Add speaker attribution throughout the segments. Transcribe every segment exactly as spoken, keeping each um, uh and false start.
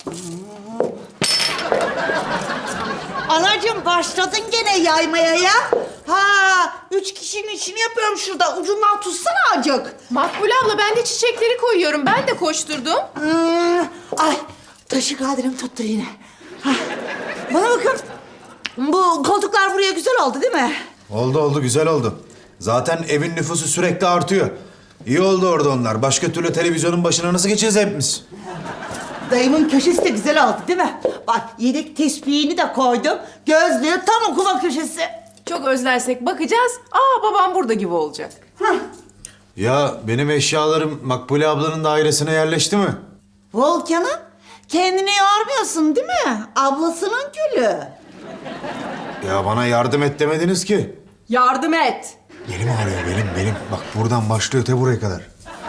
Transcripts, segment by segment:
Speaker 1: Anacığım başladın gene yaymaya ya. Ha, üç kişinin işini yapıyorum şurada. Ucundan tutsana acık.
Speaker 2: Makbule abla ben de çiçekleri koyuyorum. Ben de koşturdum.
Speaker 1: Hmm, ay, taşı kadirim tuttu yine. Ha, bana bakın. Bu koltuklar buraya güzel oldu değil mi?
Speaker 3: Oldu oldu, güzel oldu. Zaten evin nüfusu sürekli artıyor. İyi oldu orada onlar. Başka türlü televizyonun başına nasıl geçeceğiz hepimiz?
Speaker 1: Dayımın köşesi de güzel oldu değil mi? Bak yedek tespihini de koydum. Gözlüğü tam okuma köşesi.
Speaker 2: Çok özlersek bakacağız. Aa babam burada gibi olacak.
Speaker 3: Ya benim eşyalarım Makbule ablanın dairesine yerleşti mi?
Speaker 1: Volkan'ım kendini yormuyorsun değil mi? Ablasının gülü.
Speaker 3: Ya bana yardım et demediniz ki.
Speaker 2: Yardım et.
Speaker 3: Benim ağrıyor, benim, benim. Bak buradan başlıyor te buraya kadar.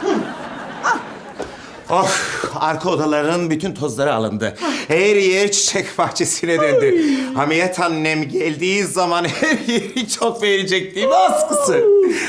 Speaker 4: Of, arka odaların bütün tozları alındı. Her yer çiçek bahçesine döndü. Hamiyet annem geldiği zaman her yeri çok beğenecek değil mi askısı?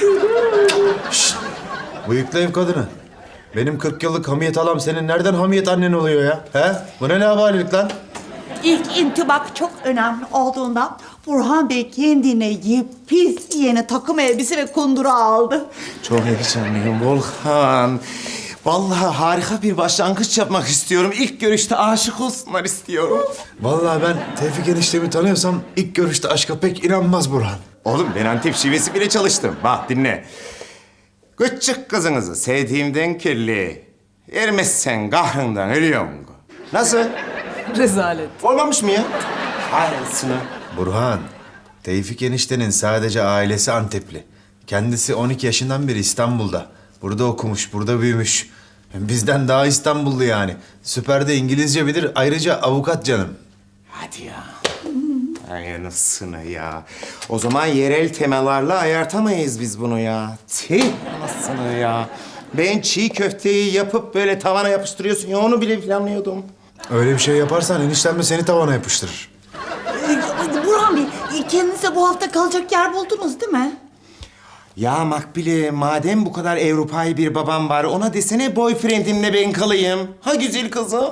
Speaker 3: Bıyıklı ev kadını. Benim kırk yıllık hamiyet halam senin nereden hamiyet annen oluyor ya? He? Bu ne labalilik lan?
Speaker 1: İlk intibak çok önemli olduğundan Burhan Bey kendine yepis yeni takım elbise ve kundura aldı.
Speaker 4: Çok heyecanlıyım Volkan. Vallahi harika bir başlangıç yapmak istiyorum. İlk görüşte aşık olsunlar istiyorum.
Speaker 3: Vallahi ben Tevfik eniştemi tanıyorsam ilk görüşte aşka pek inanmaz Burhan.
Speaker 4: Oğlum ben Antep şivesi bile çalıştım. Bak dinle. Küçük kızınızı sevdiğimden kirli. Ermezsen kahrından ölüyorum. Nasıl?
Speaker 2: Rezalet.
Speaker 4: Olmamış mı ya? Aynısını.
Speaker 3: Burhan, Tevfik eniştenin sadece ailesi Antepli. Kendisi on iki yaşından beri İstanbul'da. Burada okumuş, burada büyümüş. Bizden daha İstanbullu yani. Süper de İngilizce bilir, ayrıca avukat canım.
Speaker 4: Hadi ya. Ay anasını ya. O zaman yerel temalarla ayartamayız biz bunu ya. Tih anasını ya. Ben çiğ köfteyi yapıp böyle tavana yapıştırıyorsun ya onu bile planlıyordum.
Speaker 3: Öyle bir şey yaparsan eniştem de seni tavana yapıştırır.
Speaker 1: Ee, Burhan Bey, kendinize bu hafta kalacak yer buldunuz değil mi?
Speaker 4: Ya Makbule, madem bu kadar Avrupa'yı bir babam var, ona desene boyfriendimle ben kalayım. Ha güzel kızım.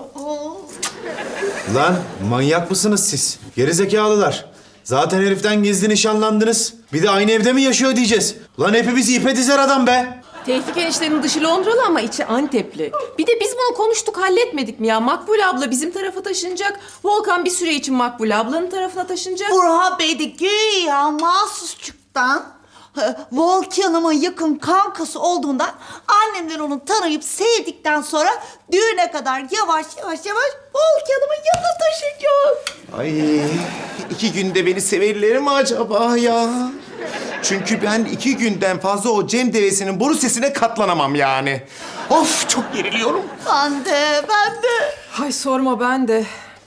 Speaker 3: Lan manyak mısınız siz? Gerizekalılar. Zaten heriften gizli nişanlandınız. Bir de aynı evde mi yaşıyor diyeceğiz. Lan hepimiz ipe dizer adam be.
Speaker 2: Tevfik eniştenin dışı Londralı ama içi Antepli. Bir de biz bunu konuştuk halletmedik mi ya? Makbule abla bizim tarafa taşınacak. Volkan bir süre için Makbule ablanın tarafına taşınacak.
Speaker 1: Burhan Bey de güya mahsusçuktan e, Volkan'ımın yakın kankası olduğundan annemler onu tanıyıp sevdikten sonra düğüne kadar yavaş yavaş yavaş Volkan'ımın yanına taşıyacak.
Speaker 4: Ay, iki günde beni severler mi acaba ya? Çünkü ben iki günden fazla o Cem devesinin boru sesine katlanamam yani. Of, çok geriliyorum.
Speaker 1: Ben de, ben de.
Speaker 2: Ay sorma ben de.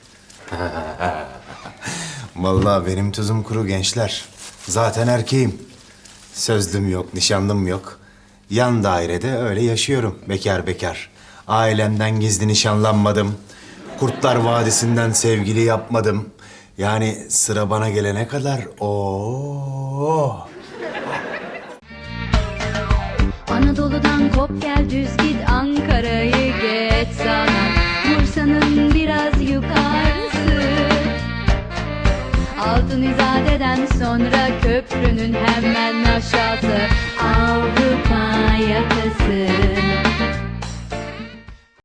Speaker 3: Vallahi benim tuzum kuru gençler. Zaten erkeğim. Sözlüm yok, nişanlım yok. Yan dairede öyle yaşıyorum bekar bekar. Ailemden gizli nişanlanmadım. Kurtlar Vadisi'nden sevgili yapmadım. Yani sıra bana gelene kadar o.
Speaker 5: Anadolu'dan kop gel düz git Ankara'yı geç sana Bursa'nın biraz yukarısı Altın İzade'den sonra köprünün hemen aşağısı Avrupa yakası